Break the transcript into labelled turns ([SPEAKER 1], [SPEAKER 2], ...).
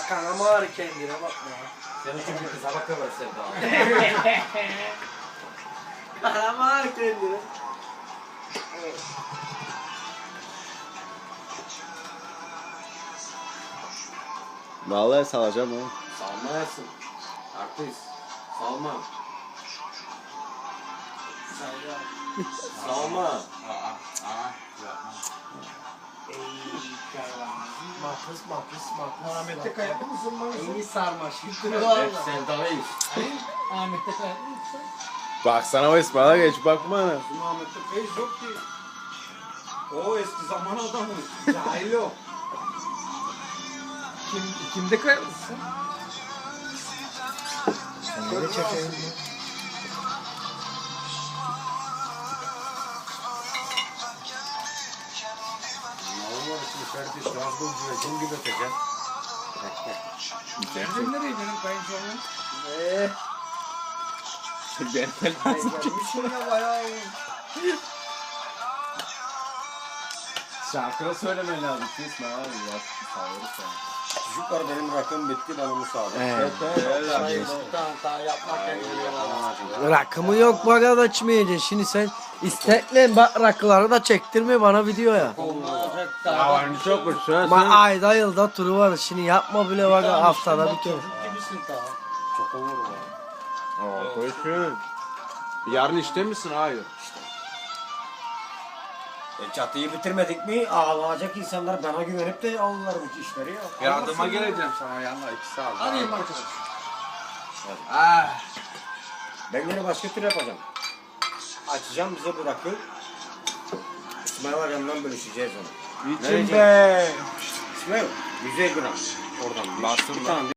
[SPEAKER 1] Kanama ağrı kendine bakma.
[SPEAKER 2] Senin çünkü kıza bakıyorlar Sevda.
[SPEAKER 1] Kanama ağrı kendine.
[SPEAKER 3] Vallahi salacağım oğlum.
[SPEAKER 2] Salma yersin. Artist. Salma. Salma.
[SPEAKER 1] Ahmet'te kayaklı mısın lan? İyi sarmaş.
[SPEAKER 2] Hep Sevda'yız.
[SPEAKER 4] Ahmet'te kayıtlı mısın?
[SPEAKER 3] Baksana o İsmail'e geç bakma ana.
[SPEAKER 1] Bizim Ahmet'te feyiz yok ki. O eski zaman adamı. Cahil o.
[SPEAKER 4] Kimde kayıtlısın?
[SPEAKER 1] Böyle çekeyim.
[SPEAKER 2] Allah için kardeş Gazgol güvecin gibi ötecek.
[SPEAKER 4] Bizim nereye benim kayınçoğum?
[SPEAKER 1] Gelmişim ya bayağı.
[SPEAKER 3] Şarkı söylemen lazım İsmail abi ya. Sağları sen.
[SPEAKER 2] Çocuklar benim rakım bitti bana müsaade.
[SPEAKER 3] Evet.
[SPEAKER 1] Rakımı yok bana da içmeyeceksin. Şimdi sen istekle bak rakıları da çektirme bana videoya.
[SPEAKER 3] Havanı çok uçsun.
[SPEAKER 1] Ma ayda yılda turu var. Şimdi yapma bile bak haftada bir kere.
[SPEAKER 2] Çok olur ya.
[SPEAKER 3] Aa koysun. Yarın işte misin? Hayır.
[SPEAKER 2] Çatıyı bitirmedik mi ağlayacak insanlar bana güvenip de alırlar bu işleri ya.
[SPEAKER 3] Yardıma geleceğim sana yanına 2 saat.
[SPEAKER 4] Arayayım arkadaş.
[SPEAKER 2] Ben yine başka tür yapacağım. Açacağım bize bu rakı. İsmail Hocam'dan bölüşeceğiz onu.
[SPEAKER 3] İçim be.
[SPEAKER 2] İsmail 100 gram oradan.
[SPEAKER 3] Bastım
[SPEAKER 2] Bir
[SPEAKER 3] lan.
[SPEAKER 2] tane